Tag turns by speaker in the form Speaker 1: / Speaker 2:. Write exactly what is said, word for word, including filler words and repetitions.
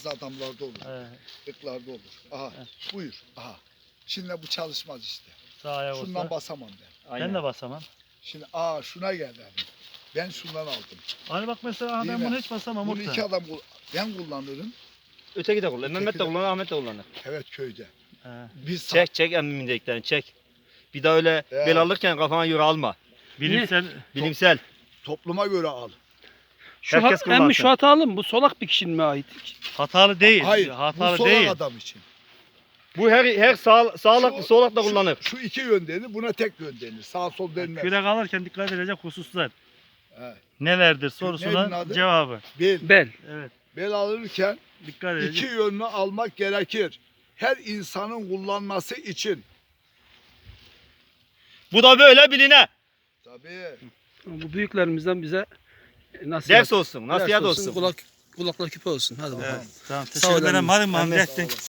Speaker 1: bazı adamlarda olur.
Speaker 2: Evet.
Speaker 1: Lıklarda olur. Aha buyur. Aha. Şimdi bu çalışmaz işte.
Speaker 2: Sağ ayak
Speaker 1: Şundan
Speaker 2: olsa.
Speaker 1: basamam ben.
Speaker 2: Ben de basamam.
Speaker 1: Şimdi aa şuna geldi. Ben şundan aldım.
Speaker 2: Hani bak mesela
Speaker 1: Değil
Speaker 2: ben
Speaker 1: mi?
Speaker 2: bunu hiç basamam.
Speaker 1: Bunu
Speaker 2: Muhtar.
Speaker 1: iki adam kul- ben kullanırım.
Speaker 3: Öteki de kullanır.
Speaker 1: Öteki
Speaker 3: Mehmet de
Speaker 1: de-
Speaker 3: kullanır, Ahmet de kullanır.
Speaker 1: Evet köyde.
Speaker 2: He.
Speaker 1: Biz sa-
Speaker 3: Çek çek emmimin dediklerini çek. Bir daha öyle
Speaker 1: Evet.
Speaker 3: bel alırken kafana göre alma.
Speaker 2: Bilimsel.
Speaker 3: Bilimsel.
Speaker 1: topluma göre al.
Speaker 4: Şu
Speaker 3: Herkes
Speaker 4: hat, emmi
Speaker 3: kullansın.
Speaker 4: şu hatalı mı? Bu solak bir kişinin mi ait?
Speaker 2: Hatalı değil.
Speaker 1: Hayır.
Speaker 2: Hatalı
Speaker 1: bu solak
Speaker 2: değil.
Speaker 1: adam için.
Speaker 3: Bu her her sağ, sağlıklı
Speaker 1: Şu-
Speaker 3: solak da
Speaker 1: şu-
Speaker 3: kullanır.
Speaker 1: Şu iki yön denir. Buna tek yön denir. Sağ sol denmez.
Speaker 2: Kürek alırken dikkat edilecek hususlar.
Speaker 1: Evet.
Speaker 2: Nelerdir
Speaker 1: Neydi
Speaker 2: sorusuna
Speaker 1: adı?
Speaker 2: cevabı.
Speaker 1: Bel.
Speaker 4: Bel.
Speaker 2: Evet.
Speaker 1: Bel alırken
Speaker 2: Dikkat edecek.
Speaker 1: iki yönlü almak gerekir. Her insanın kullanması için.
Speaker 3: Bu da böyle biline.
Speaker 1: Tabii.
Speaker 4: Bu büyüklerimizden bize nasihat.
Speaker 3: Ders olsun, nasihat olsun.
Speaker 4: Kulak, kulakla küpe olsun. Hadi bakalım.
Speaker 2: Tamam.
Speaker 4: Sağ
Speaker 2: Teşekkür
Speaker 4: ol
Speaker 2: ederim.
Speaker 4: emmi.
Speaker 2: Hadi
Speaker 3: Emmi.
Speaker 2: Muhammed.